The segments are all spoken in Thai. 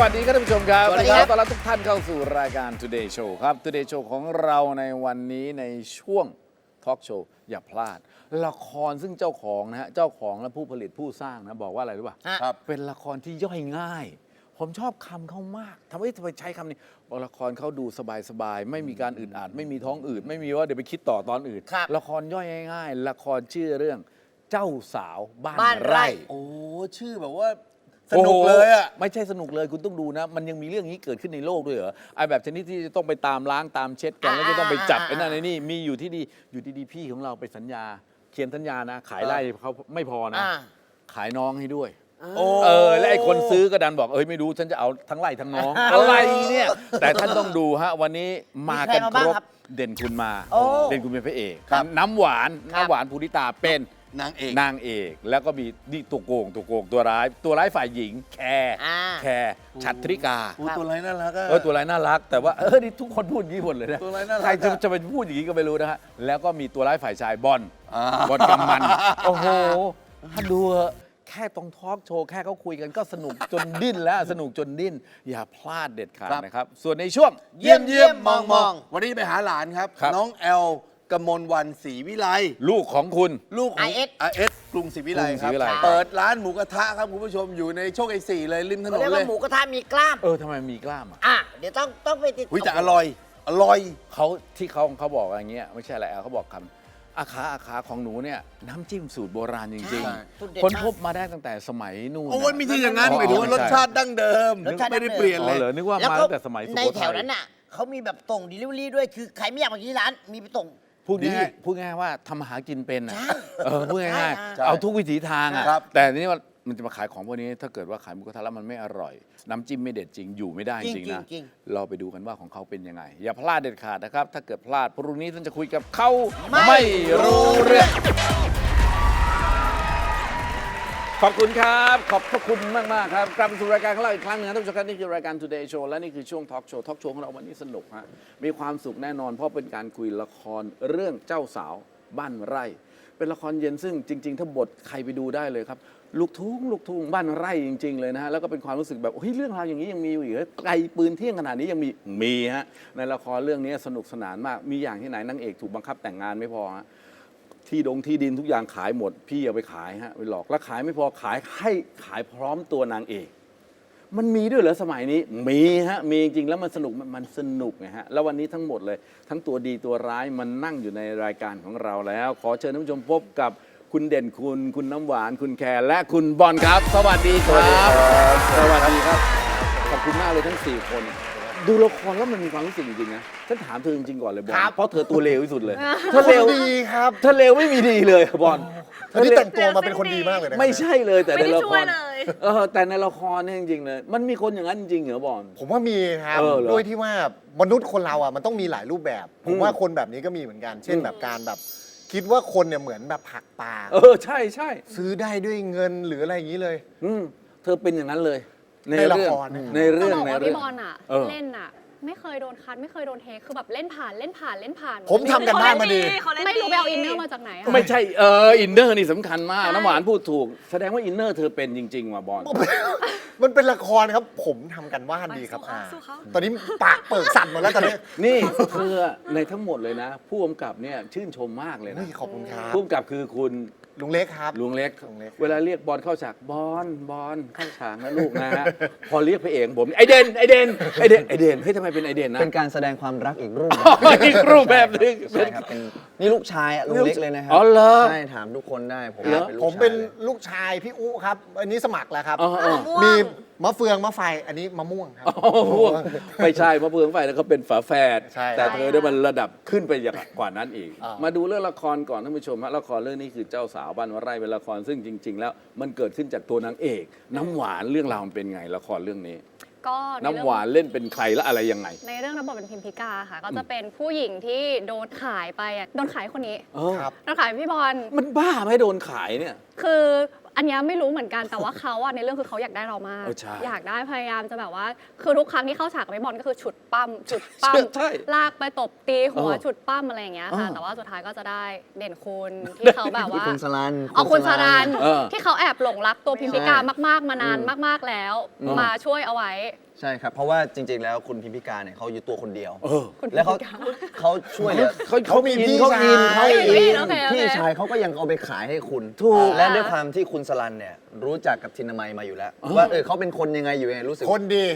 วัสดีครับท่านผู้ชมครับสวัสดีครับต้อนรับทุกท่านเข้าสู่รายการ Today Show ครับ Today Show ของเราในวันนี้ในช่วงทอล์กโชว์อย่าพลาด ละครซึ่งเจ้าของนะฮะเจ้าของและผู้ผลิตผู้สร้างนะบอกว่าอะไรรู้ป่ะครับเป็นละครที่ย่อยง่าย ผมชอบคำเขามากทำไมใช้คำนี้บอกละครเขาดูสบายๆไม่มีการอึดอัดไม่มีท้องอืดไม่มีว่าเดี๋ยวไปคิดต่อตอนอื่นครับละครย่อยง่ายๆละครชื่อเรื่องเจ้าสาวบ้านบ้านไร่ไร่โอ้ชื่อแบบว่าสนุกเลยอ่ะโโหไม่ใช่สนุกเลยคุณต้องดูนะ มันยังมีเรื่องนี้เกิดขึ้นในโลกด้วยเหรอไอ้แบบชนิดที่จะต้องไปตามล้างตามเช็ดกันแล้วจะต้องไปจับไอ้นั่นไอ้นี่มีอยู่ที่ดีอยู่ดีๆพี่ของเราไปสัญญา เขียนสัญญานะ ขายไร่เขาไม่พอนะ ขายน้องให้ด้วยโอ้และไอ้คนซื้อก็ดันบอกไม่รู้ฉันจะเอาทั้งไร่ทั้งน้องอะไรเนี่ยแต่ท่านต้องดูฮะวันนี้มากันมีใครมาคบ้างรบครับเด่นคุณมาโอ้เด่นคุณเป็นพระเอกครับน้ำหวานภูริตาเป็นนางเอกนางเอกแล้วก็มีนี่ตัวโกงตัวร้ายฝ่ายหญิงแคร์ฉัตรริกาโอ้ตัวอะไรน่ารักอ่ะตัวร้ายน่ารัก แต่ว่านี่ทุกคนพูดอย่างนี้หมดเลยนะตัวร้ายน่ารักใครจะไปพูดอย่างนี้ก็ไม่รู้นะฮะแล้วก็มีตัวร้ายฝ่ายชายบอลอ่าบอลกำมันโอ้โหถ้าดูเถอะแค่ตรงทอล์กโชว์แค่เขาคุยกันก็สนุกจนดิ้นแล้วสนุกจนดิ้นอย่าพลาดเด็ดขาดนะครับ ส่วนในช่วงเยี่ยมมองวันนี้ไปหาหลานครับครับน้องแอลกมลวันศรีวิไลลูกของคุณลูกของ IS IS กรุงศรีวิไลกรุงศครีรับวิไลเปิดร้านหมูกระทะครับคุณผู้ชมอยู่ในโชคชัย4เลยริมถนเขานเรียกเลว่าย หมูกระทะมีกล้ามทำไมมีกล้ามอ่ะเดี๋ยวต้องไปติดอุ้ยแต่อร่อยเขาบอกอย่างเงี้ยไม่ใช่อะไรเขาบอกคำอาขาของหนูเนี่ยน้ำจิ้มสูตรโบราณจริงใช่ๆคนพบมาได้ตั้งแต่สมัยนู่นโอ้ยไม่ใช่อย่างนั้นอ๋อหมายถึงว่าไม่รใช่สชาติดั้งเดิมไม่ได้เปลี่ยนอ๋เลอย เหรอนึกว่าแล้วมาก็ตั้งแต่สมัยสุในโขแถทัวย นั้นน่ะเขามีแบบส่ง delivery ด้วยคือใครไม่อยากมาที่ร้านมีไปส่งพูดง่ายๆว่าทำอาหารกินเป็นอ่ะใช่พูดง่ายใช่ๆเอาทุกวิถีทางอ่ะครับแต่ทีนี้ว่ามันจะมาขายของพวกนี้ถ้าเกิดว่าขายหมูกระทะแล้วมันไม่อร่อย น้ำจิ้มไม่เด็ดจริงอยู่ไม่ได้จริงๆนะจริงเราไปดูกันว่าของเขาเป็นยังไง อย่าพลาดเด็ดขาดนะครับ ถ้าเกิดพลาดพรุ่งนี้ท่านจะคุยกับเขาไม่ไม่รู้เรื่อง ขอบคุณครับ ขอบพระคุณมาก ๆ ครับกลับมาสู่รายการของเราอีกครั้งหนึงนะท่านผู้ชมครับนี่คือรายการ Today Show และนี่คือช่วงทอล์กโชว์ของเราวันนี้สนุกฮะมีความสุขแน่นอน เพราะเป็นการคุยละครเรื่องเจ้าสาวบ้านไร่ เป็นละครเย็นซึ่งจริง ๆ ถ้าบทใครไปดูได้เลยครับลูกทุ่งบ้านไร่จริง ๆ เลยนะฮะแล้วก็เป็นความรู้สึกแบบเรื่องราวอย่างนี้ยังมีอยู่อีกเหรอไกลปืนเที่ยงขนาดนี้ยังมีฮะในละครเรื่องนี้สนุกสนานมากมีอย่างที่ไหนนางเอกถูกบังคับแต่งงานไม่พอฮะ ที่ดินทุกอย่างขายหมด พี่เอาไปขายฮะไปหลอกแล้วขายไม่พอขายพร้อมตัวนางเอกมันมีด้วยเหรอสมัยนี้มีฮะมีจริงๆแล้วมันสนุกไงฮะแล้ววันนี้ทั้งหมดเลยทั้งตัวดีตัวร้ายมันนั่งอยู่ในรายการของเราแล้ว ขอเชิญท่านผู้ชมพบกับคุณเด่นคุณน้ำหวานคุณแคร์และคุณบอลครับ สวัสดีครับสวัสดีครับขอบคุณมากเลยทั้ง4คนดูละครแล้วมันมีความรู้สึกจริงๆนะฉันถามเธอจริงๆก่อนเลยบอลครับเพราะเธอตัวเลวที่สุดเลยเธอเลวดีครับเธอเลวไม่มีดีเลยบอลอันนี้แต่งตัวมาเป็นคนดีมากเลยนะไม่ใช่เลยแต่ในไม่ได้ละช่ควยรเลยแต่ในละครเนี่ยจริงๆเลยมันมีคนอย่างนั้นจริงเหรอบอลผมว่ามีครับเหรอด้วยที่ว่ามนุษย์คนเราอ่ะมันต้องมีหลายรูปแบบ ผมว่าคนแบบนี้ก็มีเหมือนกัน เช่นแบบการแบบ คิดว่าคนเนี่ยเหมือนแบบผักปลาใช่ใช่ซื้อได้ด้วยเงินหรืออะไรอย่างนี้เลยเธอเป็นอย่างนั้นเลยในละครในจะเรื่องบอกในว่าเรื่องพี่บอลอ่ะเออเล่นอ่ะ ไม่เคยโดนคัดไม่เคยโดนเทคคือแบบเล่นผ่านผมทำกันบ้านมาดีไม่รู้ไปเอาอินเนอร์มาจากไหนอะไม่ใช่อินเนอร์นี่สำคัญมากน้ำหวานพูดถูก แสดงว่าอินเนอร์เธอเป็นจริง ๆ ว่ะบอลมันเป็นละครครับ ผมทำกันบ้านดีครับสู้เขาตอนนี้ปากเปิดสั่นหมดแล้วตอนนี้นี่เธอในทั้งหมดเลยนะ ผู้กำกับเนี่ยชื่นชมมากเลยนะนี่ขอบคุณครับผู้กำกับคือคุณลุงเล็กครับลุงเล็กลุงเล็กเวลาเรียกบอลเข้าฉากบอลเข้าฉากนะลูกนะฮะ พอเรียกพระเอกผมไอเดนเฮ้ยทำไมเป็นไอเดนนะเป็นการแสดงความรักอีกรูปแบบอีกรูปแบบหนึงใช่ครับเป็นนี่ลูกชายอะลุงเล็กเลยนะครัอ๋อเหรอใช่ถามทุกคนได้ผมเหรอเป็นลูกผมเป็นชายลยลูกชายพี่อุครับ อันนี้สมัครแล้วครับอ๋อมีมะเฟืองมะไฟ อันนี้มะม่วงครับพวกไม่ใช่มะเฟืองไฟแล้วเขาเป็นฝาแฝดใช่แต่เธอได้มันระดับขึ้นไปอย่างกว่านั้นอีกอ่ามมาดูเรื่องละครก่อนท่านผู้ชมฮะละครเรื่องนี้คือเจ้าสาวบ้านวไร่เป็นละครซึ่งจริง ๆ แล้วมันเกิดขึ้นจากตัวนางเอก น้ำหวานเรื่องราวมันเป็นไงละครเรื่องนี้ก็ใน้ำหวานเล่นเป็นใครและอะไรยังไงในเรื่องรับบทเป็นพิมพิกาค่ะ ก็จะเป็นผู้หญิงที่โดนขายไปอะโดนขายคนนี้ครับโดนขายพี่บอลมันบ้าไหมโดนขายเนี่ยคืออันเนี้ยไม่รู้เหมือนกันแต่ว่าเขาอะในเรื่องคือเขาอยากได้เรามากใช่อยากได้พยายามจะแบบว่า คือทุกครั้งที่เข้าฉากกับพี่บอลก็คือฉุดปั้มใช่ลากไปตบตีหัวเออฉุดปั้มอะไรอย่างเงี้ยค่ะเออแต่ว่าสุดท้ายก็จะได้เด่นคุณที่เขาแบบว่าคุณสลันคุณสรันเออที่เขาแอบหลงรักตัวพิมพิกามากๆมานานมากๆแล้ว มาช่วยเอาไว้ใช่ครับ เพราะว่าจริง ๆ แล้วคุณพิมพิการเนี่ยเขาอยู่ตัวคนเดียวเออแล้วเขาช่วยเหลือเขามีพี่เขาอินเขาเฮ้ยอินโอเคโอเคพี่ชายเขาก็ยังเอาไปขายให้คุณถูกและด้วยความที่คุณสลันเนี่ยรู้จักกับทินามัยมาอยู่แล้ว ว่าเขาเป็นคนยังไงอยู่ยังไงรู้สึกคนดี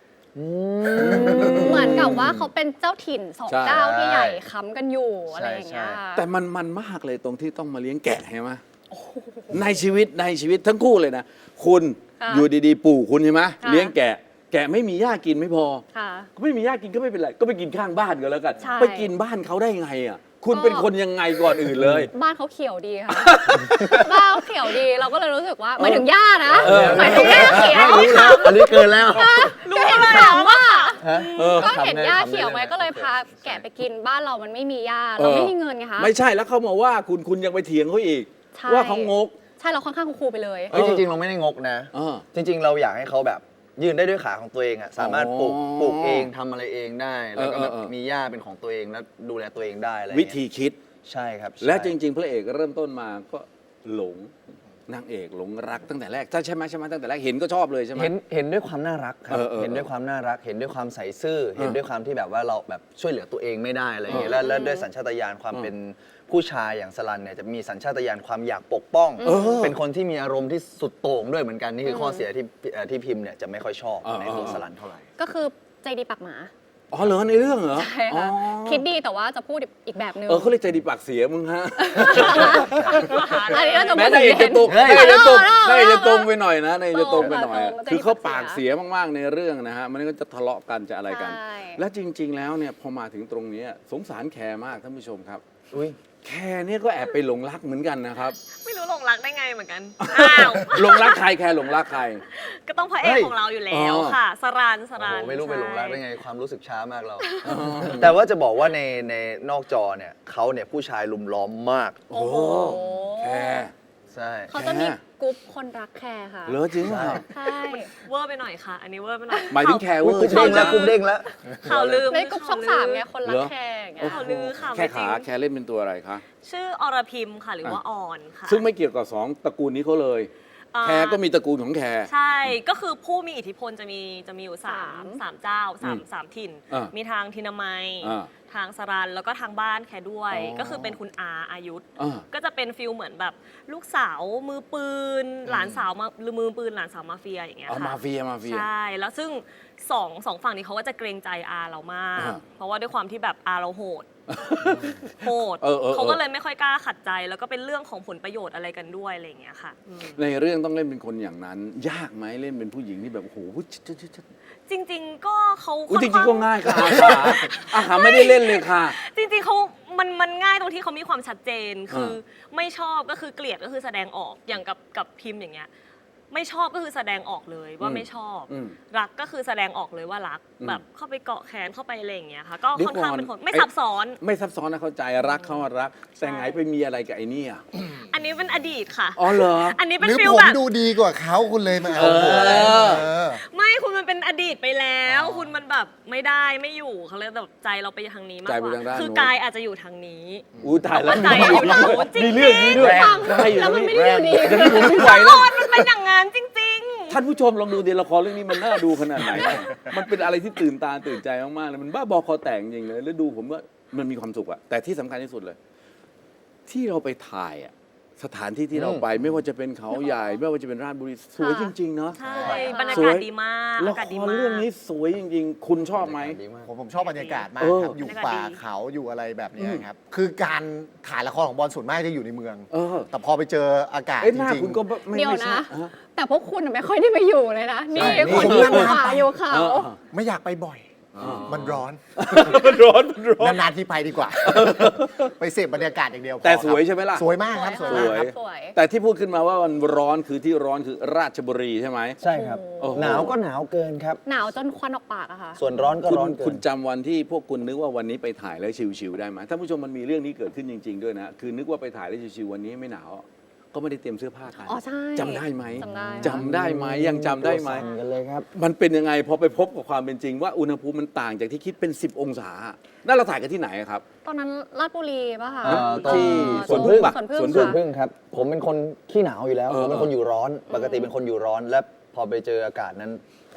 เหมือนกับว่าเขาเป็นเจ้าถิ่นสองใช่เจ้าที่ใหญ่ค้ำกันอยู่อะไรอย่างเงี้ยใช่แต่มันมากเลยตรงที่ต้องมาเลี้ยงแกะใช่ไหมในชีวิตทั้งคู่เลยนะ คุณค่ะอยู่ดีๆ ปู่คุณใช่ไหมค่ะเลี้ยงแกะ แกะไม่มีหญ้ากินไม่พอค่ะก็ไม่มีหญ้ากินก็ไม่เป็นไร ก็ไปกินข้างบ้านก็แล้วกันใช่ไปกินบ้านเขาได้ไงอ่ะ คุณเป็นคนยังไงก่อนอื่นเลยบ้านเขาเขียวดีค่ะ บ้านเขาเขียวดีเราก็เลยรู้สึกว่าหมายถึงหญ้านะหมายถึงหญ้าเขียวอันนี้เกินแล้วก็เห็นถามว่าเออก็เห็นหญ้าเขียวไงขำได้ก็เลยพาแกะไปกินบ้านเรามันไม่มีหญ้าเราไม่มีเงินไงคะไม่ใช่แล้วเขามาว่าคุณยังไปเถียงเขาอีกใช่ว่าเขางกใช่เราค่อนข้างคูลๆไปเลยเฮ้ยจริง ๆ เราไม่ได้งกนะเออจริง ๆ เราอยากให้เขาแบบยืนได้ด้วยขาของตัวเองอ่ะสามารถปลูกเองทำอะไรเองได้ แล้วก็แบบเออมีหญ้าเป็นของตัวเองแล้วดูแลตัวเองได้อะไรวิเงี้ยธีคิดใช่ครับและจใช่ริง ๆ พระเอกเริ่มต้นมาก็หลงนางเอกหลงรักตั้งแต่แรกใช่ไหมตั้งแต่แรกเห็นก็ชอบเลยใช่ไหมเห็นด้วยความน่ารักครับเออเห็นด้วยความน่ารัก เห็นด้วยความใส่ซื่อ เห็นด้วยความที่แบบว่าเราแบบช่วยเหลือตัวเองไม่ได้อะไรอย่างเงี้ยแล้วด้วยสัญชาตญาณความเป็นผู้ชายอย่างสลันเนี่ยจะมีสัญชาตญาณความอยากปกป้อง เป็นคนที่มีอารมณ์ที่สุดโต่งด้วยเหมือนกันนี่คือข้อเสียที่พิมพ์เนี่ยจะไม่ค่อยชอบในตัวสลันเท่าไหร่ก็คือใจดีปากหมาอ๋อเหรอในเรื่องเหรอใช่ค่ะอ๋อคิดดีแต่ว่าจะพูดอีกแบบนึงเขาเรียกใจดีปากเสียมึงฮะอันนี้เราจะแม้พูดนางเอกจะตรงเฮ้ยนางเอกจะตรงเออนางเอกจะตรงไปหน่อยนะนางเอกจะตรงไปหน่อยตรงคือเขาใจดีปากเสียมากๆในเรื่องนะฮะมันก็จะทะเลาะกันจะอะไรกันใช่และจริง ๆ แล้วเนี่ยพอมาถึงตรงนี้สงสารแคร์มากท่านผู้ชมครับอุ้ยแคร์เนี่ยก็แอบไปหลงรักเหมือนกันนะครับไม่รู้หลงรักได้ไงเหมือนกัน อ้าวหลงรักใครแคร์หลงรักใครก็ต้องพระเอกของเราอยู่แล้วค่ะ สรันโอ้โหไม่รู้ไปหลงรักได้ใช่ไงความรู้สึกช้ามากเรา แต่ว่าจะบอกว่าในนอกจอเนี่ยเขาเนี่ยผู้ชายลุมล้อมมากโอ้โหแคร์ใช่เขาจะมีกรุ๊ปคนรักแคร์ค่ะเหรอจริงเหรอใช่เวอร์ไปหน่อยค่ะ อันนี้เวอร์ไปหน่อยหมายถึงแคร์เวอร์กุ๊บใช่เด้งไหมแล้วกุ๊บเด้งแล้วข่าวลืมในกรุ๊ปช่องสามไงคนรัเหรกอแคร์อย่างเงี้ยข่าวลือค่ะแค่ไม่จริขาง แคร์เล่นเป็นตัวอะไรคะชื่ออรพิมค่ะ หรือว่าอ่อนค่ะซึ่งไม่เกี่ยวกับสองตระกูลนี้เขาเลย แคร์ก็มีตระกูลของแคร์ใช่ ก็คือผู้มีอิทธิพลจะมีอยู่สามเจ้าสามถิ่นอ่ามีมีทางทินามัยอ่าทางสรัน แล้วก็ทางบ้านแคด้วยอ๋อก็คือเป็นคุณอายุธอ่าก็จะเป็นฟิลเหมือนแบบลูกสาวมือปืน หลานสาวมาหรือมือปืนหลานสาวมาเฟียอย่างเงี้ยเอาค่ะมาเฟียใช่ แล้วซึ่งสองฝั่งนี้เขาก็จะเกรงใจอาเรามากอ่าเพราะว่าด้วยความที่แบบอาเราโหด โหดเออเขาก็เลยไม่ค่อยกล้าขัดใจ แล้วก็เป็นเรื่องของผลประโยชน์อะไรกันด้วยอะไรอย่างเงี้ยค่ะอืมในเรื่องต้องเล่นเป็นคนอย่างนั้น ยากไหมเล่นเป็นผู้หญิงที่แบบโอ้โหจริง ๆ ก็เขาอุ๊ยจค่อนริงๆข้าก็ง่ายค่ะอาหาไม่ได้เล่นเลยค่ะจริงๆเขามันง่ายตรงที่เขามีความชัดเจน คือไม่ชอบก็คือเกลียดก็คือแสดงออกอย่างกับพิมพ์อย่างเงี้ย ไม่ชอบก็คือแสดงออกเลยว่าไม่ชอบอืมรักก็คือแสดงออกเลยว่ารักอืมแบบเข้าไปเกาะแขนเข้าไปอะไรอย่างเงี้ยค่ะ ก็เดี๋ยวค่อนข้างก่อนเป็นคนไม่ไอ้ซับซ้อนไม่ซับซ้อนนะเข้าใจรักเขาอะรัก แต่ไงไปมีอะไรกับไอ้นี่อ่ะอันนี้เป็นอดีตค่ะอ๋อเหรออันนี้หเป็นรือฟิลผมแบบดูดีกว่าเขาคุณเลยมาเอาเออเออไม่คุณมันเป็นอดีตไปแล้ว คุณมันแบบไม่ได้ไม่อยู่เขาเลยแบบใจเราไปทางนี้มากใจกไปว่าทางด้านคือนู้นกายอาจจะอยู่ทางนี้อู้ตายแล้วใจอยู่ทางโน้นจริงๆมีเรื่องนี้ด้วยได้อยู่แล้วมันไม่ได้อยู่ดีอย่างนี้ผมไม่ไหวละแล้คว รมันเป็นอย่างนั้นจริงท่านผู้ชมลองดูดิละครเรื่องนี้มันน่าดูขนาดไหน มันเป็นอะไรที่ตื่นตาตื่นใจมากๆเลย มันบ้าบอคอแตกจริงเลย แล้วดูผมว่ามันมีความสุขอะแต่ที่สำคัญที่สุดเลย ที่เราไปถ่ายอะสถานที่ที่เราไปไม่ว่าจะเป็นเขาใหญ่ ไม่ว่าจะเป็นราชบุรีสวยจริงๆเนาะๆ ใช่ บรรยาสกาวยศดีมากละอากาศคดีรมากเรื่องนี้สวยจริง ๆ คุณชอบไหมดีากผมชอบบรรยากาศมากเออครับอยู่ป่าเขาอยู่อะไรแบบเนี้ยครับ คือการถ่ายละครของบอลส่วนมากจะอยู่ในเมืองเออแต่พอไปเจออากาศเอ้ยจหน้าริงคุณก็ไม่เดี๋ยวไม่ใช่นะฮะแต่พวกคุณไม่ค่อยได้มาอยู่เลยนะ นี่ใช่คนนี่อยู่ป่าอยู่เขาเออๆ ไม่อยากไปบ่อย มันร้อนมันร้อนมันร้อนนานๆที่ไปดีกว่า ไปเสพบรรยากาศอย่างเดียวพอแต่สครับวยใช่ไหมล่ะสวยมากครับสวยมากครับสวยแต่ที่พูดขึ้นมาว่ามันร้อนคือที่ร้อนคือราชบุรีใช่ไหมใช่ครับโอ้โหหนาวก็หนาวเกินครับหนาวจนควันออกปากอะค่ะส่วนร้อนก็คุณร้อนเกิคุณนจำวันที่พวกคุณนึกว่าวันนี้ไปถ่ายแล้วชิวๆได้ไหมท่านผู้ชมมันมีเรื่องนี้เกิดขึ้นจริง ๆ ด้วยนะ คือนึกว่าไปถ่ายแล้วชิวๆวันนี้ไม่หนาว ก็ไม่ได้เตรียมเสื้อผ้ากันอ๋อใช่จำได้ไหมจำได้จำได้ไหมยังจำได้ไหมตัวสั่นกันเลยครับมันเป็นยังไงพอไปพบกับความเป็นจริงว่าอุณหภูมิมันต่างจากที่คิดเป็น 10 องศานั่นเราถ่ายกันที่ไหนอะครับตอนนั้นราชบุรีป่ะคะที่สวนพึ่งปะสวนพึ่งสวนส่พึ่วนงพึ่งครับ ผมเป็นคนขี้หนาวอยู่แล้วเออผมเป็นคนอยู่ร้อน ปกติเป็นคนอยู่ร้อน และพอไปเจออากาศนั้น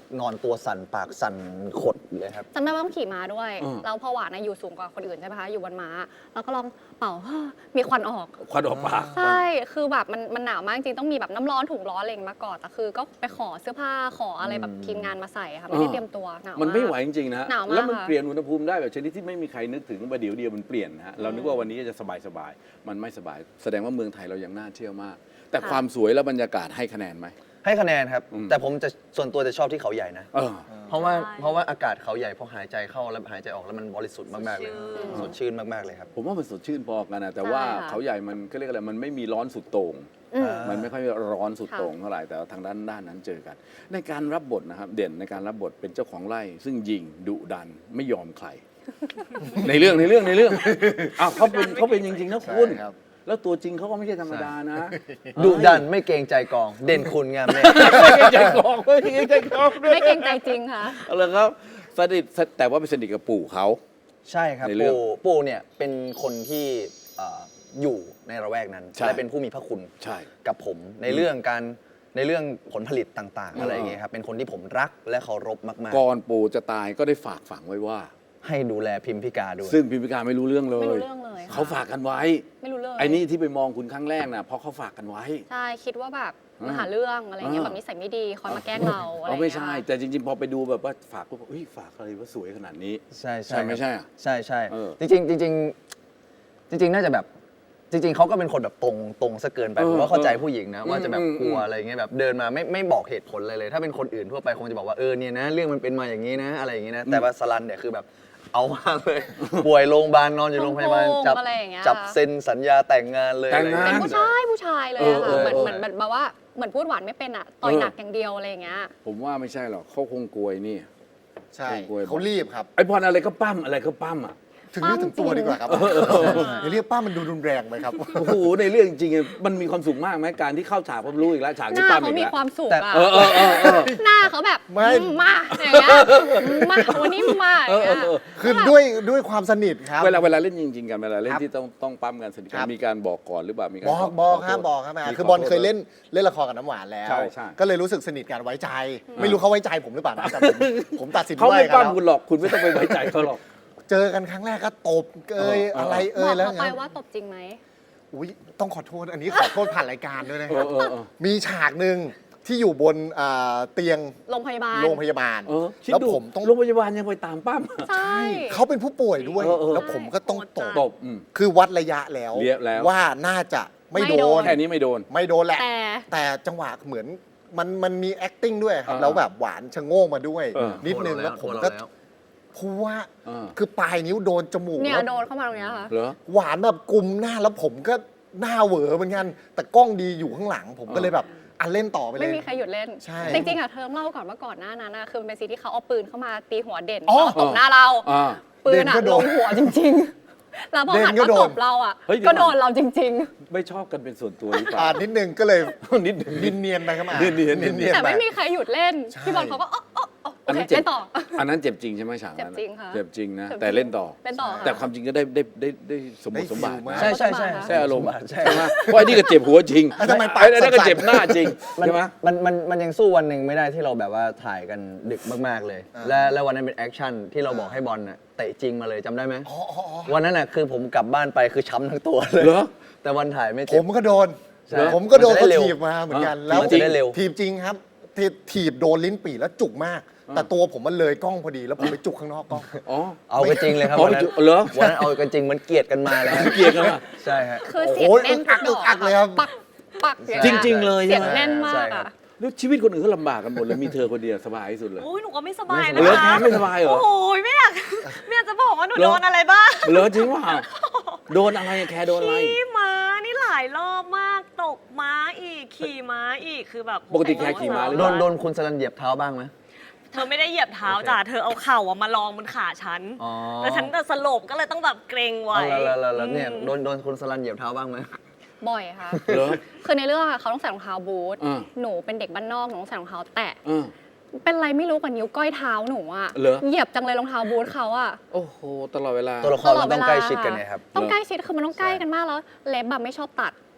นอนตัวสั่นปากสั่นขดเลยครับจำได้ว่าต้องขี่ม้าด้วยอืมแล้วพอหวานนะอยู่สูงกว่าคนอื่นใช่ไหมคะ อยู่บนม้า แล้วก็ลองเป่า มีควันออกควันออกปากใช่ คือแบบมันหนาวมากจริงต้องมีแบบน้ำร้อนถุงร้อนอะไรอย่างงี้มาก่อนแต่คือก็ไปขอเสื้อผ้าขออะไรแบบทีมงานมาใส่ค่ะไม่ได้เตรียมตัวหนาวมันไม่ไหวากจริงๆนะหนาวมากแล้วมันค่ะเปลี่ยนอุณหภูมิได้แบบชนิดที่ไม่มีใครนึกถึงประเดี๋ยวเดียวมันเปลี่ยนนะฮะเรานึกว่าวันนี้จะสบายๆมันไม่สบาย แสดงว่าเมืองไทยเรายังน่าเที่ยวมาก แต่ความสวยและบรรยากาศให้คะแนนไหมให้คะแนนครับอืมแต่ผมจะส่วนตัวจะชอบที่เขาใหญ่นะเออเพราะว่าอากาศเขาใหญ่พอหายใจเข้าแล้วหายใจออกแล้วมันบริสุทธิ์มากๆเลยสดชื่นมากๆเลยครับผมว่ามันสดชื่นพอกันนะแต่ว่าใช่ค่ะเขาใหญ่มันก็เรียกอะไรมันไม่มีร้อนสุดโต่งอืมมันไม่ค่อยร้อนสุดค่ะโต่งเท่าไหร่แต่ว่าทางด้านนั้นเจอกัน ในการรับบทนะครับเด่นในการรับบทเป็นเจ้าของไร่ ซึ่งยิงดุดันไม่ยอมใคร ในเรื่องอ้าวเขาเป็นจริงๆนะคุณใช่ครับแล้วตัวจริงเขาก็ไม่ใช่ธรรมดานะดุดันไม่เกรงใจกอง เด่นคุณงามเลยไม่เกรงใจกองไม่เกรงใจกองด้วยไม่เกรงใจจริงค่ะเอาละครับสนิทแต่ว่าเป็นสนิทกับปู่เขาใช่ครับในเรื่องปู่เนี่ยเป็นคนที่อยู่ในระแวกนั้นใช่และเป็นผู้มีพระคุณใช่กับผมในเรื่องผลผลิตต่างๆ อะไรอย่างเงี้ยครับเป็นคนที่ผมรักและเคารพมากก่อนปู่จะตายก็ได้ฝากฝังไว้ว่าๆ ให้ดูแลพิมพิกาด้วยซึ่งพิมพิการไม่รู้เรื่องเลยไม่รู้เรื่องเลยค่ะเขาฝากกันไว้ไม่รู้เรื่องไอ้นี่ที่ไปมองคุณครั้งแรกนะเพราะเขาฝากกันไว้ใช่คิดว่าแบบมาหาเรื่องอะไรเงี้ยอ่าแบบนิสัยไม่ดีคอยมาแกล้งเราอะไรเขาเงี้ยไม่ใช่ แต่จริงๆ พอไปดูแบบว่าฝากก็บอกเฮ้ยฝากอะไรว่าสวยขนาดนี้ใช่ใช่ไม่ใช่อะใช่ใช่เออจริงๆน่าจะแบบจริง ๆเขาก็เป็นคนแบบตรงซะเกินไปเออผมว่าเข้าใจผู้หญิงนะ ว่าจะแบบอืมกลัวอะไรเงี้ยแบบเดินมาไม่บอกเหตุผลอะไรเลย ถ้าเป็นคนอื่นทั่วไปคงจะบอกว่าเนี่ยนะเรื่องมันเป็นมาอย่างนี้นะอะไรอย่างนี้นะแต่ว่าสลันเนี่ยคือแบบเอามากเลย ป่วยโรงพยาบาลนอนอยู่โรงพยาบาลโกงจับอะไรอย่างเงี้ยจับเซ็นสัญญาแต่งงานเลยแต่งงานอะไรเป็นเงี้ยผู้ชายเลยอะเอค่ะอเหมือนแบบว่าเหมือนพูดหวานไม่เป็นอะต่อยหนักอย่างเดียวอะไรอย่างเงี้ยผมว่าไม่ใช่หรอกเขาคงกลัวไอ้นี่ใช่กล้วยเขารีบครับไอ้พรอะไรก็ปั้มอะไรก็ปั้มอ่ะถึงเรื่องถึงตัวดีกว่าครับอย่าเรียกป้ามันดูรุนแรงไปครับโอ้โหในเรื่องจริงๆมันมีความสุขมากไหมการที่เข้าฉากผมรู้อีกแล้วฉากหนี้น้าปั้มเขาอีกมีแล้วความสุขอะเออหน้าเขาแบบไม่มาอย่างเงี้ยมาวันนี้มาอย่างเงี้ยคือด้วยความสนิทครับเวลาเล่นจริงๆกันเวลาเล่นครับที่ต้องปั้มกันสนิทกัครันบมีการบอกก่อนหรือเปล่ามีการบอกครับโทษบอกครับมีคือบอลขโทษเคยเล่นละครกับน้ำหวานแล้วใช่ใช่ก็เลยรู้สึกสนิทกันไว้ใจ ไม่รู้เขาไว้ใจผมหรือเปล่านะแต่ผมตัดสินเขาว่าไม่กันปั้มแล้วคุณหรอกคุณไม่ต้องไปไว้ใจเขาหรอกเจอกันครั้งแรกก็ตบอะไรบอกแล้วเขาไปว่าตบจริงไหมอุ้ยต้องขอโทษอันนี้ขอโทษผ่านรายการด้วยนะเอครับอมีฉากหนึ่งที่อยู่บนเตียงโรงพยาบาลโรงพยาบาลคิดแล้วดูผมต้องโรงพยาบาลยังไปตามปั้มใช่เขาเป็นผู้ป่วยด้วยเออแล้วผมก็ต้องตบตบคือวัดระยะแล้วเรียบแล้วว่าน่าจะไม่ไม่โดโดนนแค่นี้ไม่โดนไม่โดนแหละแต่จังหวะเหมือนมันมี acting ด้วยครับอ่าแล้วแบบหวานชะโงกมาด้วยเออนิดนึงแล้วผมก็พูดว่าเออคือปลายนิ้วโดนจมูกเนี่ยแล้วโดนเข้ามาตรงเนี้ยค่ะเหรอหวานแบบกุมหน้าแล้วผมก็หน้าเหวอเหมือนกัน แต่กล้องดีอยู่ข้างหลัง ผมก็เลยแบบเล่นต่อไปเลยไม่มีใครหยุดเล่นใช่จริงๆอะเธอต้องเล่าก่อนว่าก่อนหน้านั้นอะคือมันเป็นซีนที่เขาเอาปืนเข้ามาตีหัวเด่นอ๋อแล้วตบหน้าเราอ่าปืนอะเด่นก็โดลนงหัวจริงๆ แล้วพอหันเด่นก็มาโดตนบเราอะเฮ้ยเดี๋ยวก็โดนเราจริงไม่ชอบกันเป็นส่วนตัวหรือเปล่านิดนึงก็เลยนิดหนึ่งเนียนๆไปครับเนียนๆๆ แต่ไม่มีใครหยุดเล่นใช่พี่บอลเขาก็โออันเคนั้นเจ็บเล่นต่ออันนั้นเจ็บจริงใช่ไหมฉากนั้นเจ็บจริงค่ะเจ็บจริงนะเจ็บจริงแต่เล่นต่อเล่นต่อค่ะแต่ความจริงก็ได้สมบูรณ์สมบัติได้ฟิลมากนะใช่ใช่ใช่ใช่อารมณ์ใช่ใช่ไหมเพราะไอ้นี่ก็เจ็บหัวจริงทำไมปากไอ้นั่นก็สั่นๆเจ็บหน้าจริงมันใช่ไหมมันยังสู้วันหนึ่งไม่ได้ที่เราแบบว่าถ่ายกันดึกมากๆเลย และวันนั้นเป็นแอคชั่นที่เราบอกให้บอลน่ะเตะจริงมาเลยจำได้ไหมอ๋อวันนั้นน่ะคือผมกลับบ้านไปคือช้ำทั้งตัวเลยเหรอแต่วันถ่ายไม่ผเจ็บมก็โดนใช่ผมก็โดนมันจะได้เขาเร็วถีบมาเหมือนกันอ่าแล้วมันจะได้เร็วถีบจริงครับถีบโดนลิ้นปี่แล้วจุกมาก แต่ตัวผมมันเลยกล้องพอดีแล้วผมไปจุกข้างนอกกล้องอ๋อเอากันจริงเลยครับอ๋อวันนั้นเหรอวันนั้นเอากันจริงมันเกลียดกันมาเลยเกลียดกันอะใช่ฮะคือเสียงโอ้ยแน่นอึกอักเลยครับปักอย่างจเงี้ยริง ๆ เลยเสียงใช่ไหมแน่นมากใช่ครัอะบแล้วชีวิตคนอื่นเขาลำบากกันหมดเลยมีเธอคนเดียวสบายที่สุดเลยโอ้ยหนูก็ไม่สบายเหนะรอคะไม่สบายเหรอโอ้โหไม่อยากจะบอกว่าหนูเหรอโดนอะไรบ้างเหรอจริงว่าโดนอะไรอะแคร์โดนอะไรขี่ม้านี่หลายรอบมากตกม้าอีกขี่ม้าอีกคือแบบปกติแคร์ขี่ม้าหรือเปโดล่านคนสลันเหยียบเท้าบ้างไหมเธอไม่ได้เหยียบเท้าจ้ะเธอเอาเข่าอะมาลองบนขาฉันอ๋อแล้วฉันก็สลบก็เลยต้องแบบเกรงไว้แล้วเนี่ยโดนคนสลันเหยียบเท้าบ้างไหมบ่อยค่ะเหรอคือในเรื่องอะเขาต้องใส่รองเท้าบูทอ่าหนูเป็นเด็กบ้านนอกหนูต้องใส่รองเท้าแตะเออเป็นไรไม่รู้กับนิ้วก้อยเท้าหนูอะเหรอเหยียบจังเลยรองเท้าบูทเขาอะโอ้โหตลอดเวลาตัวละครเราต้องใกล้ชิดกันไงครับต้องใกล้ชิดคือมันต้องใกล้กันมากแล้วเล็บแบบไม่ชอบตัด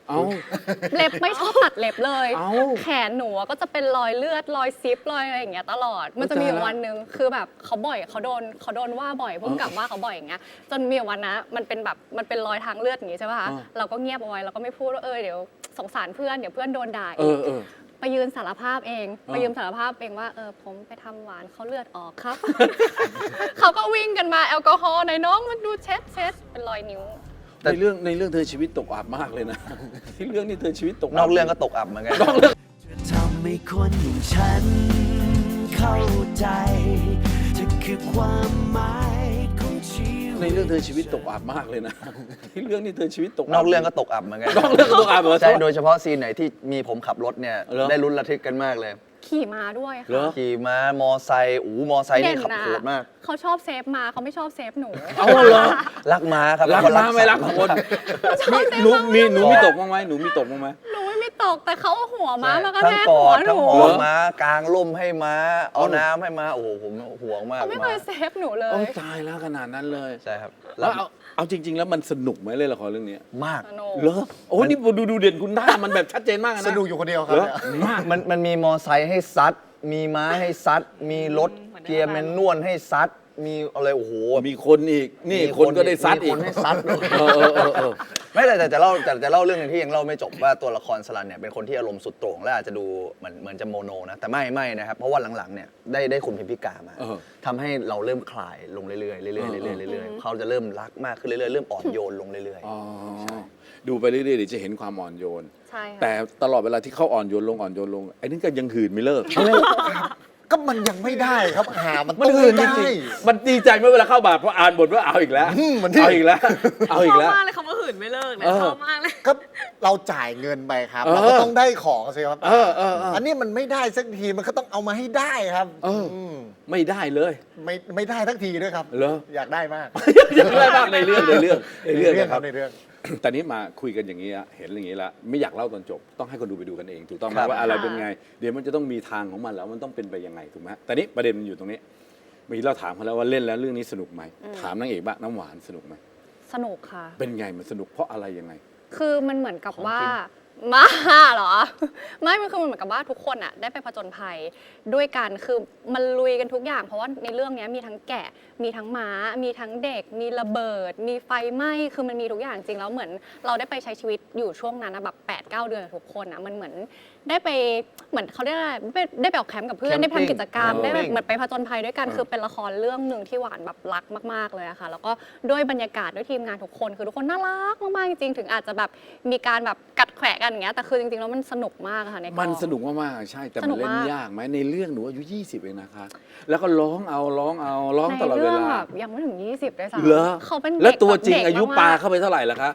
เอาเล็บไม่ชอบตัดเล็บเลยเอ้าแขนหนูอะก็จะเป็นรอยเลือดรอยซิปรอยอะไรอย่างเงี้ยตลอด มันจะมีอยู่วันหนึ่งคือแบบเขาโดนว่าบ่อยพุ่งกลับว่าเขาบ่อยอย่างเงี้ยจนมีอยู่วันนะมันเป็นรอยทางเลือดอย่างงี้ใช่ป่ะคะเราก็เงียบเอาไว้เราก็ไม่พูดว่าเดี๋ยวสงสารเพื่อนเดี๋ยวเพื่อนโดนด่าเออีอก เออไปยืนสารภาพเองไปยืนสารภาพเองว่าผมไปทำหวานเขาเลือดออกครับ เขาก็วิ่งกันมาแอลกอฮอล์หน่อยน้องมันดูเช็ดเป็นรอยนิ้วในเรื่องเธอชีวิตตกอับมากเลยนะ ที่เรื่องนี้เธอชีวิตตกนอกเรื่องก็ตกอับเหมือนกันทำให้คนอย่างฉันเข้าใจเธอคือความหมายของชีวิตในเรื่องเธอชีวิตตกอับมากเลยนะ ที่เรื่องนี้เธอชีวิตตกบนอกเรื่องก็ตกอับเหมือนกันนอกเรื่องก็ตกอับเหรอใช่โดยเฉพาะซีนไหนที่มีผมขับรถเนี่ยเหรอได้ลุ้นระทึกกันมากเลยขี่ม้าด้วยเหรอค่ะขี่ม้ามอไซค์มอไซค์นี่ขับโหดมากเขาชอบเซฟม้าเขาไม่ชอบเซฟหนูเอาเหรอรักม้าครับรักเป็นมาไม่รักคน หนูมีตกบ้างไหมหนูมีตกบ้างไหมหนูไม่มีตกแต่เขาเอาหัวม้ามาก็ทั้งแทกกอหัวดหทั้นูงหอเหรมอม้ากางร่มให้ม้า เอาน้ำให้ม้าโอ้โหผมห่วงมากเขาไม่เคยม้าเซฟหนูเลโอ้ยตายแล้วขนาดนั้นเลยใช่ครับแล้วเอาจริง ๆ แล้วมันสนุกไหมเลยละครเรื่องนี้มากสนุกเหรอโอ้นี่ดูเด่นคุณด้ามันแบบชัดเจนมากนะสนุกอยู่คนเดียวครับเหรอเนี่ยมากมันมีมอไซค์ให้ซัด มีม้าให้ซัด มีรถเกียร์แมนนวลให้ซัด มีอะไรโอ้โหมีคนอีกนี่คนก็ได้ซัดอีมีกคนให้ซัดด้วยเออไม่แต่จะเล่าเรื่องหนึงที่ยังเล่าไม่จบว่าตัวละครสลันเนี่ยเป็นคนที่อารมณ์สุดโต่งและอาจจะดูเหมือนจะโมโนนะแต่ไม่นะครับเพราะว่าหลังๆเนี่ยได้คุณพิมพิกามาเออทำให้เราเริ่มคลายลงเรื่อยๆเรื่อยๆเขาจะเริ่มรักมากขึ้นเรื่อยๆเริ่มอ่อนโยนลงเรื่อยอ๋อดูไปเรื่อยๆเดี๋ยวจะเห็นความอ่อนโยนใช่ค่ะแต่ตลอดเวลาที่เขาอ่อนโยนลงไอ้นี่ก็ยังหืนไม่เลิกก็มันยังไม่ได้ครับมันมันต้องหืนจได้ริงๆมันดีใจเมื่อเวลาเข้าบาทเพราะอ่านบทว่าเอาอีกแล้วเหมือนที่เอาอีกแล้วเอาชอีอก บแล้วมากเลยคำว่าหื่นไม่เลิกเนี่ยเออชอบมากเลยก็เราจ่ายเงินไปครับเออเราก็ต้องได้ของสิครับเอออันนี้มันไม่ได้สักทีมันก็ต้องเอามาให้ได้ครับ มไม่ได้เลยไม่ได้สักทีด้วยครับเหรออยากได้มากยังไม่บ้างในเรื่องนะครับในเรื่องแต่นี้มาคุยกันอย่างนี้อะเห็นอย่างนี้แล้วไม่อยากเล่าตอนจบต้องให้คนดูไปดูกันเองถูกต้องไหมครับว่าอะไรเป็นไง เดี๋ยวมันจะต้องมีทางของมันแล้วมันต้องเป็นไปยังไงถูกไหมแต่นี้ประเด็นมันอยู่ตรงนี้เมื่อกี้เราถามเขาแล้วว่าเล่นแล้วเรื่องนี้สนุกไหมถามนางเอกบ้างน้ำหวานสนุกไหมสนุกค่ะเป็นไงมันสนุกเพราะอะไรยังไงคือมันเหมือนกับว่าของจริมาเหรอ ไม่มันคือมันเหมือนกับว่าทุกคนอ่ะได้ไปผจญภัยด้วยกันคือมันลุยกันทุกอย่าง เพราะว่าในเรื่องนี้มีทั้งแกะ มีทั้งม้า มีทั้งเด็ก มีระเบิด มีไฟไหม้คือมันมีทุกอย่างจริงแล้วเหมือนเราได้ไปใช้ชีวิตอยู่ช่วงนั้นนะแบบ8-9 เดือนกับทุกคนอะมันเหมือนได้ไปเหมือนเขาเรียกอะไรได้ไปออกแคมป์กับเพื่อนได้ไปทำกิจกรรมได้แบบเหมือนไปผจญภัยด้วยกันคือเป็นละครเรื่องหนึ่งที่หวานแบบรักมากๆเลยอะค่ะแล้วก็ด้วยบรรยากาศด้วยทีมงานทุกคนคือทุกคนน่ารักมากๆจริงๆถึงอาจจะแบบมีการแบบกัดแขวะกันอย่างเงี้ยแต่คือจริงๆแล้วมันสนุกมากอะค่ะในกองมันสนุกมากๆใช่แต่สมันุนกเล่นมากยากไหมในเรื่องหนูอายุ20เองนะคะแล้วก็ร้องตลอดในเวเรื่องลาแบบยังไม่ถึง 20ด้วยซ้ำเหรอเขาเป็นแล้วเด็กตัวจริงแบบเด็กอายุมกๆปาเข้าไปเท่าไหร่ล่ะคะ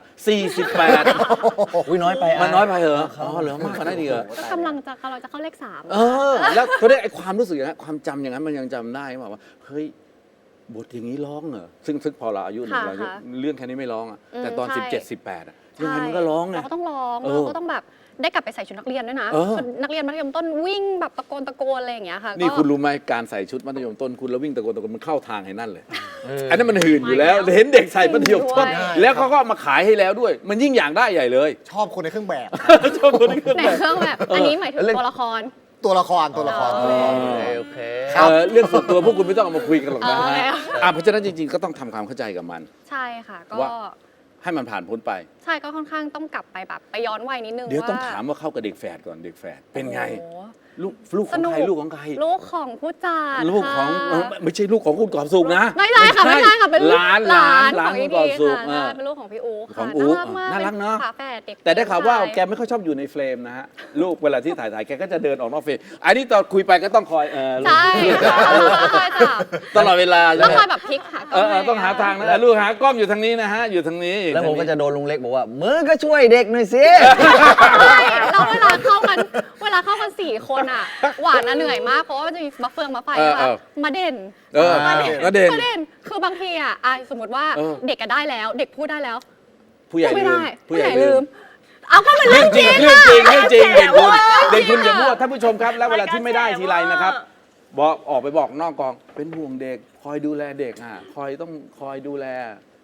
48 อุ้ยน้อยไปมันน้อยไปเหรออ๋อเหรอมากกว่านั้นอีกเหรอก็กำลังจะเข้าเลข 3 แล้วเขาได้ไอ้ความรู้สึกอย่างนั้นความจำอย่างนั้นมันยังจำได้ไหมว่าเฮ้ยบทอย่างนี้ร้องเหรอซึ่งพอเราอายุหนึ่งค่ะเราอายุค่ะเรื่องแค่นี้ไม่ร้องอ่ะอืมแต่ตอนใช่ 17 18อ่ะยังไงมันก็ร้องไงเราก็ต้องร้องเออเราก็ต้องแบบได้กลับไปใส่ชุดนักเรียนด้วยนะเออชุดนักเรียนมัธยมต้นวิ่งแบบตะโกนอะไรอย่างเงี้ยค่ะนี่ก็คุณรู้ไหมการใส่ชุดมัธยมต้นคุณแล้ววิ่งตะโกนมันเข้าทางให้นั่นเลย อันนั้นมันหื่นอยู่แล้วเห็นเด็กใส่มัธยมต้นด้วยแล้วเขาก็เอามาขายให้แล้วด้วย มันยิ่งอยากได้ใหญ่เลยชอบคนในเครื่องแบบชอบคนนี้ขึ้นในมาเครื่องแบบอันนี้หมายถึงตัวละครตัวละครอ๋อโอเคเรื่องส่วนตัวพวกคุณไม่ต้องเอามาคุยกันหรอกนะอ๋อฮะเพราะฉะนั้นจริงๆก็ต้องทำความเข้าใจกับมันใช่ค่ะ ก็ว่า ให้มันผ่านพ้นไปใช่ก็ค่อนข้างต้องกลับไปแบบไปย้อนวัยนิดนึงเดี๋ยวต้องว่าถามว่าเข้ากับเด็กแฝดก่อนเด็กแฝดเป็นไงโอ้โหลูกของใครลูกของใครลูกของผู้จัดลูกของค่ะไม่ใช่ลูกของคุณกอบสุขนะไม่ใช่ค่ะไม่ใช่ค่ะเป็นลูกหลานของคุอีณกอบพีสุขค่ะใช่เป็นลูกของพี่อู๋ขอค่ะงอู๋น่ารักมากน่ารักเนอะฝาแฝดเด็กแต่ได้ข่าวว่าผู้ชยแกไม่ค่อยชอบอยู่ในเฟรมนะฮะลูกเวลาที่ถ่ายแกก็จะเดินออกนอกเฟรมอันนี้ตอนคุยไปก็ต้องคอยลูกใช่ค่ะต้องคอยจับตลอดเวลาต้องใช่คไหมอยแบบพลิกหาต้องหาทางนะลูกหากล้องอยู่ทางนี้นะฮะอยู่ทางนี้แล้วผมก็จะโดนลุงเล็กบอกว่ามึงก็ช่วยเด็กหน่อยสิใช่แล้วเวลาเข้ากัน4 คนอ่ะหวานอะเหนื่อยมากเพราะว่ามันจะมีมะเฟืองมะไฟนะคะมาเด่นก็เด่นประเด็นคือบางทีอ่ะสมมติว่าเออเด็กก็ได้แล้ว เด็กพูดได้แล้วผู้ใหญ่พูดไม่ลืได้มผู้ใหญ่ลืมเอาก็มันเรื่เรื่ออง งจจริริงงเรื่องจริงเรื่องจริงเด่นคุณจริงอย่ามั่วท่านผู้ชมครับแล้วเวลาที่ไม่ได้ทีไรนะครับรายการแฉว่าบอกออกไปบอกนอกกองเป็นห่วงเด็กคอยดูแลเด็กคอยดูแล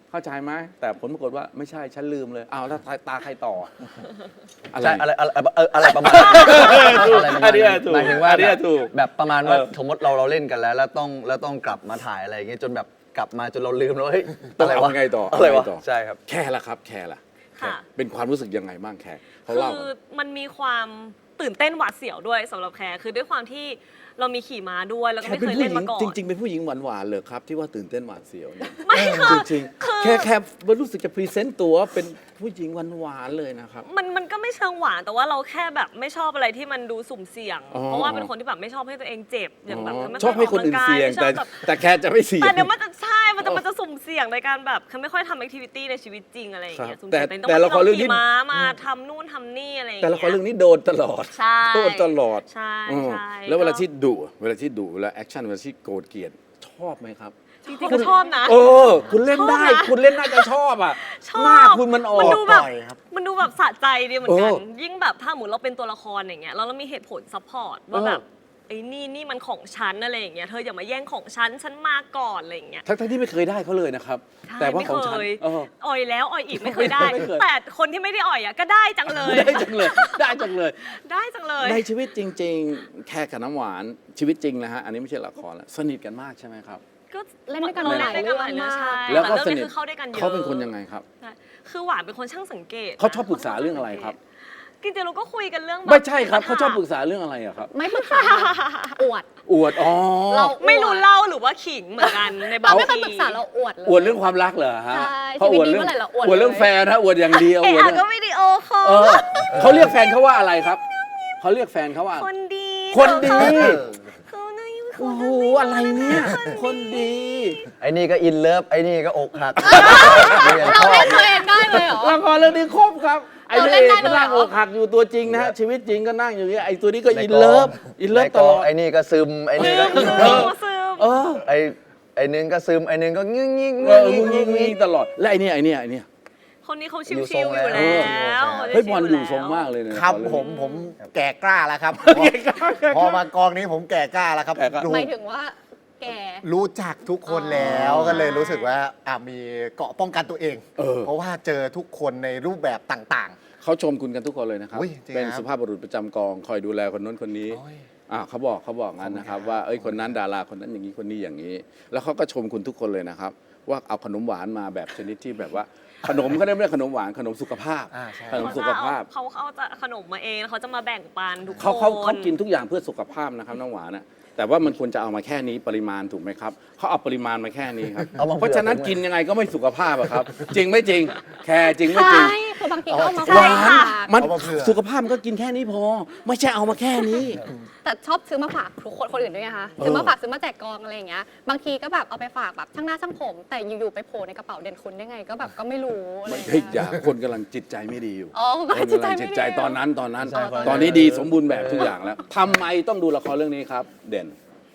เข้าใจไหมแต่ผลปรากฏว่าไม่ใช่ฉันลืมเลยอ้าวแล้วตาใครต่ออะไรใช่อะไรประมาณนั้นอะไรประมาณอันนี้นั้นถูกหมายถึงว่าอันนี้แบบถูกแบบประมาณว่าเออสมมติเราเล่นกันแล้วต้องกลับมาถ่ายอะไรอย่างเงี้ยจนแบบกลับมาจนเราลืมแล้วเฮ้ยต้องอะไรเอาวะไงต่ออะไรเอาวะไงต่อใช่ครับแค่ละครับแค่ละค่ะเป็นความรู้สึกยังไงบ้างแค่เขาคืเล่าอมันมีความตื่นเต้นหวาดเสียวด้วยสำหรับแคร์คือด้วยความที่เรามีขี่ม้าด้วยแล้วก็แค่ไม่เป็นเคยผู้เล่นหญิงมาก่อนจริง ๆ เป็นผู้หญิงหวานๆเลยครับที่ว่าตื่นเต้นหวาดเสียวเนี่ยไม่ค่ะจริงคือๆแค่รู้สึกจะพรีเซนต์ตัวเป็นผู้หญิงหวานๆเลยนะครับมันก็ไม่เชิงหวานแต่ว่าเราแค่แบบไม่ชอบอะไรที่มันดูสุ่มเสี่ยงอ๋อเพราะว่าเป็นคนที่แบบไม่ชอบให้ตัวเองเจ็บอย่างแบบไม่ชอบให้คนอื่นเสี่ยงไม่ชอบแบบแต่แค่จะไม่เสี่ยงแต่เดี๋ยวมันจะใช่มันจะสุ่มเสี่ยงในการแบบคือไม่ค่อยทำแอคทิวิตี้ในชีวิตจริงอะไรอย่างเงี้ยครับสุ่มเสี่ยงแต่ละครเรื่องนี้ขี่ม้ามาทำนู่นทำนี่อะไรอย่างแต่เงี้ยละครเรื่องนี้โดนตลอดใช่โดนตลอดใช่อืมใช่แล้วเวลาก็ที่เวลาแอคชั่นเวลาที่โกรธเกลียดชอบไหมครับจริงๆก็ชอบนะเออ คุณเล่นได้ชอบนะคุณเล่นน่าจะชอบอ่ะชอบหน้าคุณมันออกมันดูแบบปล่อยครับมันดูแบบสะใจดีเหมือนกันเออยิ่งแบบถ้าหมุนเราเป็นตัวละครอย่างเงี้ยแล้วเรามีเหตุผลซัพพอร์ตว่าแบบไอ้นี่มันของฉันอะไรอย่างเงี้ยเธออย่ามาแย่งของฉันมาก่อนอะไรอย่างเงี้ยทั้งที่ไม่เคยได้เขาเลยนะครับใช่แต่ว่าไม่ของฉันเคยเอออ่อยแล้วอ่อยอีกไม่เคยได้ไม่เคยแต่คนที่ไม่ได้อ่อยอ่ะก็ได้จังเลยได้จังเลย ได้จังเลยได้จังเลยในชีวิตจริง ๆ แค่กับน้ำหวานชีวิตจริงนะฮะ อันนี้ไม่ใช่ละครแล้วสนิทกันมากใช่ไหมครับก็เล่นด้วยกันเราหลายเล่นด้วยกันหลายเรื่เรื่ออง งใช่แล้วก็ต่สเรื่องนิทคือเข้าด้วยกันเยอะเขาเป็นคนยังไงครับใช่คือหวานเป็นคนช่างสังเกตเขาชอบปรึกษาเรื่องอะไรครับจริงๆเราก็คุยกันเรื่องแบบไม่ใช่ครับเขาชอบปรึกษาเรื่องอะไรอะครับไม่ปรึกษาอวดอวดอ๋อเราไม่รู้เล่าหรือว่าขิงเหมือนกันในบาเรางไม่เคยทีปรึกษาเราอวดเลยอวดเรื่องความรักเหรอฮะใช่เขาอวดเรื่องชีวิตนี้เมื่อไหร่เราอวดอวดเรื่องเลยแฟนนะอวดอย่างเดียวเอะอวดอะเรื่ก็องวิดีโอคอเอลอเขาเรียกแฟนเขาว่าอะไรครับเขาเรียกแฟนเขาว่าคนดีคนดีเขาน่าอยู่โอ้โหอะไรเนี่ย คนดีไอ้นี่ก็อินเลิฟไอ้นี่ก็อกหักเราเล่นตัวเองได้เลยเหรอละครเรื่องนี้ครบครับ ไอ้เราพระเล่เอน กได้ก็เลยเหรอนั่งอกหักอยู่ตัวจริงนะฮะชีวิตจริงก็นั่งอยู่อย่างเงี้ยไอ้ตัวนี้ก็ในอินกองเลิฟอินเลิฟในตกลองอดไอ้นี่ก็ซึมไอ้นี่ก็ซึมเออไอ้นึงก็ซึมไอ้นึงก็งึ้งงิ้งเออมึงยิงตลอดและไอ้เนี่ยคนนี้เขาชิอยู่วทรงๆอยู่แล้แล้วเฮ้ยบอลอยู่ทรงมากเลยนะครับผมแก่กล้าแล้วครับ พอมากองนี้ผมแก่กล้าแล้วครับแก่กล้ารู้หมายถึงว่าแกรู้จักทุกคนแล้วก็เลยรู้สึกว่ามีเกราะป้องกันตัวเอง เพราะว่าเจอทุกคนในรูปแบบต่างเขาชมคุณกันทุกคนเลยนะครับอุ๊ยจริงเป็นครับสุภาพบุรุษประจำกองคอยดูแลคนนู้นคนนี้โอ้ยเขาบอกงั้นนะครับว่าเอ้ยคนนั้นดาราคนนั้นอย่างนี้คนนี้อย่างนี้ แล้วเขาก็ชมคุณทุกคนเลยนะครับ ว่าเอาขนมหวานมาแบบชนิดที่แบบว่าขนมก็ได้ไม่ได้ขนมหวานขนมสุขภาพใช่ขนมสุขภาพเขาจะขนมมาเองแล้วเขาจะมาแบ่งปันทุกคนเขากินทุกอย่างเพื่อสุขภาพนะครับน้องหวานนะแต่ว่ามันควรจะเอามาแค่นี้ปริมาณถูกไหมครับเขาเอาปริมาณมาแค่นี้ครับเอามาเผื่อเพราะฉะนั้นกินยังไงก็ไม่สุขภาพอะครับ จริงไม่จริง แค่จริงไม่จริงใช่คือบางทีก็เอามาหวานฝากมันเอามาเผื่อสุขภาพมันก็กินแค่นี้พอ ไม่ใช่เอามาแค่นี้แต่ชอบซื้อมาฝากทุกคนอื่นด้วยไงคะซื้อมาฝากซื้อมาแจกกองอะไรอย่างเงี้ยบางทีก็แบบเอาไปฝากแบบช่างหน้าช่างผม แต่อยู่ๆไปโผล่ในกระเป๋าเด่นคุณได้ไงก็แบบก็ไม่รู้อะไรอย่างเฮ้ยเงี้ยอย่าคนกำลังจิตใจไม่ดีอยู่อ๋อคนจิตกำใจลังไม่จิตดีใจตอนนั้นใช่ตอนนี้ดีสมบูรณ์แบบทุกอย่างแล้วทำไมต้องดูละครเรื่องนี้ครับ เด่น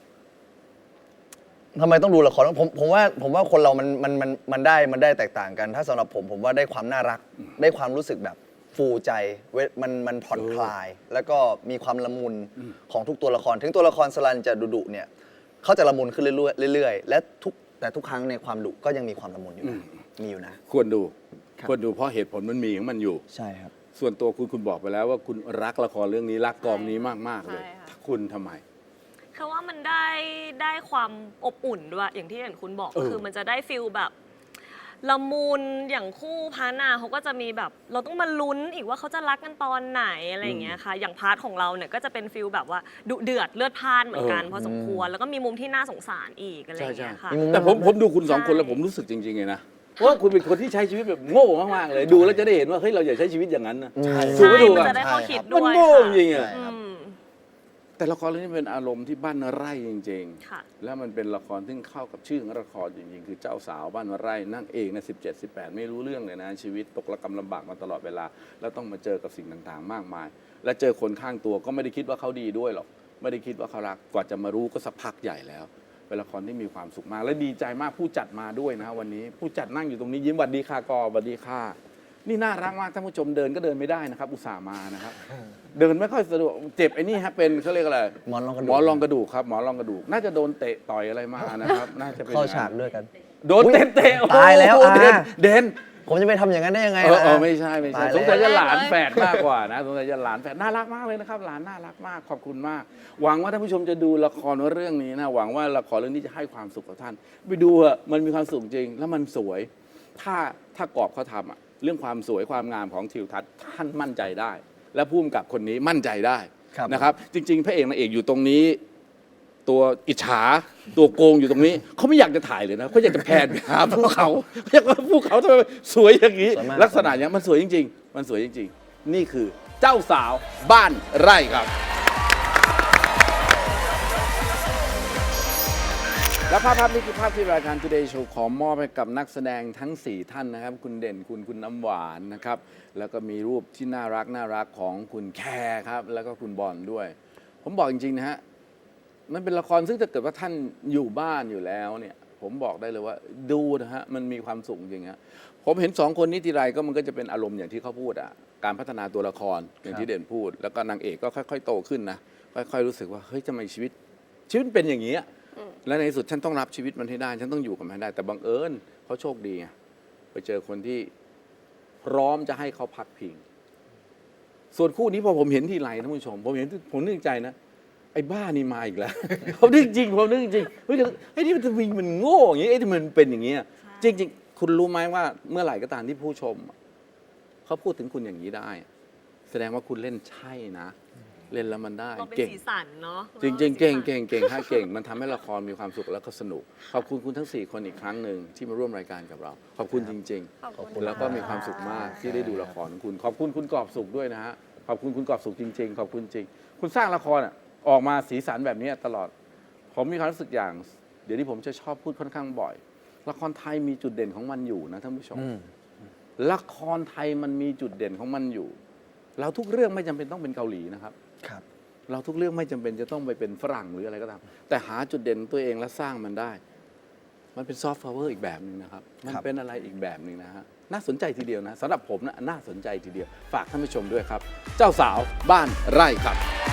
ทำไมต้องดูละครผมว่าคนเรามันได้แตกต่างกัน ถ้าสำหรับผมว่าได้ความน่ารัก ได้ความรู้สึกแบบฟูใจมันผ่อนคลาย แล้วก็มีความละมุนของทุกตัวละคร ถึงตัวละครสลันจะดุๆเนี่ยเขาจะละมุนขึ้นเรื่อยๆและแต่ทุกครั้งในความดุก็ยังมีความละมุนอยู่นะมีอยู่นะควรดูครับควรดูเพราะเหตุผลมันมีของมันอยู่ใช่ครับส่วนตัวคุณบอกไปแล้วว่าคุณรักละครเรื่องนี้รักกองนี้มากๆเลยใช่ค่ะคุณทำไมคือว่ามันได้ความอบอุ่นด้วยอย่างที่อย่างคุณบอกก็คือมันจะได้ฟิลแบบละมุนอย่างคู่พานาเขาก็จะมีแบบเราต้องมาลุ้นอีกว่าเขาจะรักกันตอนไหนอะไรอย่างเงี้ยค่ะอย่างพาร์ทของเราเนี่ยก็จะเป็นฟิลแบบว่าดุเดือดเลือดพล่านเหมือนกันพอสมควรแล้วก็มีมุมที่น่าสงสารอีกอะไรอย่างเงี้ยค่ะแต่ผมดูคุณสองคนแล้วผมรู้สึกจริงๆเลยนะว่าคุณเป็นคนที่ใช้ชีวิตแบบโง่มากๆเลยดูแล้วจะได้เห็นว่าเฮ้ยเราอย่าใช้ชีวิตอย่างนั้นนะ ถูกใช่ไม่ถูกมันอะจะได้ข้อคิดมันด้วยโง่ค่ะจริงๆอะอืมแต่ละครเรื่องนี้เป็นอารมณ์ที่บ้านไร่จริงค่ะๆ แล้วมันเป็นละครที่เข้ากับชื่อของละครจริงๆ คือเจ้าสาวบ้านไร่นั่งเองนะ17-18 ไม่รู้เรื่องเลยนะชีวิตตกระกำลำบากมาตลอดเวลา แล้วต้องมาเจอกับสิ่งต่างๆ มากมาย และเจอคนข้างตัวก็ไม่ได้คิดว่าเขาดีด้วยหรอกไม่ได้คิดว่าเขารักกว่าจะมารู้ก็สักพักใหญ่แล้ว เป็นละครที่มีความสุขมากและดีใจมากผู้จัดมาด้วยนะวันนี้ผู้จัดนั่งอยู่ตรงนี้ยิ้มหวัดดีค่ะกอหวัดดีค่ะนี่น่ารักมากท่านผู้ชมเดินก็เดินไม่ได้นะครับ อุตส่าห์มานะครับ เดินไม่ค่อยสะดวกเจ็บไอ้นี่ฮะเป็นเขาเรียกอะไรหมอนรองกระดูกหมอนรองกระดูกครับหมอนรองกระดูกน่าจะโดนเตะต่อยอะไรมานะครับน่าจะเป็นเข้าฉากด้วยกันโดนเตะโอ้โหตายแล้วเด่นผมจะไปทำอย่างนั้นได้ยังไงเออล่ะไม่ใช่ไม่ใช่ตายสแล้วงสัยจะหลานแฝดมากกว่านะสงสัยจะหลานแฝดน่ารักมากเลยนะครับ หลานน่ารักมากขอบคุณมาก หวังว่าท่านผู้ชมจะดูละครเรื่องนี้นะหวังว่าละครเรื่องนี้จะให้ความสุขกับท่าน ไปดูเถอะมันมีความสุขจริง แล้วมันสวย ถ้ากรอบเขาทำอะเรื่องความสวยความงามของทิวทัศน์ท่านมั่นใจได้ และผู้กำกับคนนี้มั่นใจได้ครับนะครับ จริง ๆ พระเอกนางเอกอยู่ตรงนี้ ตัวอิจฉาตัวโกงอยู่ตรงนี้เขาไม่อยากจะถ่ายเลยนะเขาอยากจะแพนไปหาภูเขาอยากว่าภูเขาทำไมสวยอย่างนี้สวยมากลักษณะอย่างนี้มันสวยจริง ๆ มันสวยจริง ๆ นี่คือเจ้าสาวบ้านไร่ครับ และภาพนี้คือภาพที่รายการ Today Show ขอมอบให้กับนักแสดงทั้ง 4 ท่านนะครับ คุณเด่นคุณน้ำหวานนะครับ แล้วก็มีรูปที่น่ารักของคุณแคร์ครับ แล้วก็คุณบอลด้วย ผมบอกจริง ๆ นะฮะ มันเป็นละครซึ่งถ้าเกิดว่าท่านอยู่บ้านอยู่แล้วเนี่ยผมบอกได้เลยว่าดูนะฮะมันมีความสุขจริงฮะผมเห็น 2 คนนี้ทีไรก็มันก็จะเป็นอารมณ์อย่างที่เขาพูดอ่ะการพัฒนาตัวละครอย่างที่เด่นพูด แล้วก็นางเอกก็ค่อยๆโตขึ้นนะค่อยๆรู้สึกว่าเฮ้ยทำไมชีวิตเป็นอย่างนี้และในที่สุดฉันต้องรับชีวิตมันให้ได้ฉันต้องอยู่กับมันให้ได้แต่บังเอิญเขาโชคดีไงไปเจอคนที่พร้อมจะให้เขาพักพิงส่วนคู่นี้พอผมเห็นทีไรท่านผู้ชมผมนึกใจนะไอ้บ้านี่มาอีกแล้ว ผมนึกจริงเฮ้ยไอ้นี่มันโง่อย่างนี้ไอ้ที่มันเป็นอย่างนี้จริงๆคุณรู้ไหมว่าเมื่อไหร่ก็ตามที่ผู้ชมเขาพูดถึงคุณอย่างนี้ได้ แสดงว่าคุณเล่นใช่นะ เล่นแล้วมันได้เราเป็นเก่งสีสันเนาะจริงๆเก่งถ้าเก่งมันทำให้ละครมีความสุขแล้วก็สนุกขอบคุณคุณทั้ง 4 คนอีกครั้งหนึ่งที่มาร่วมรายการกับเรา ขอบคุณจริงขอบคุณๆแล้วก็มีความสุขมากที่ได้ดูละครของคุณขอบคุณคุณกอบสุขด้วยนะฮะขอบคุณคุณกอบสุขจริงๆขอบคุณจริงคุณสร้างละครออกมาสีสันแบบนี้ตลอดผมมีความรู้สึกอย่างเดี๋ยวนี้ผมจะชอบพูดค่อนข้างบ่อย ละครไทยมีจุดเด่นของมันอยู่นะท่านผู้ชมละครไทยมันมีจุดเด่นของมันอยู่เราทุกเรื่องไม่จำเป็นต้องเป็นเกาหลีนะครับครับเราทุกเรื่องไม่จำเป็นจะต้องไปเป็นฝรั่งหรืออะไรก็ตามแต่หาจุดเด่นตัวเองและสร้างมันได้ มันเป็นซอฟต์พาวเวอร์อีกแบบหนึ่งนะครับมันเป็นอะไรอีกแบบหนึ่งนะฮะน่าสนใจทีเดียวนะสำหรับผมนะน่าสนใจทีเดียวฝากท่านผู้ชมด้วยครับ เจ้าสาวบ้านไร่ครับ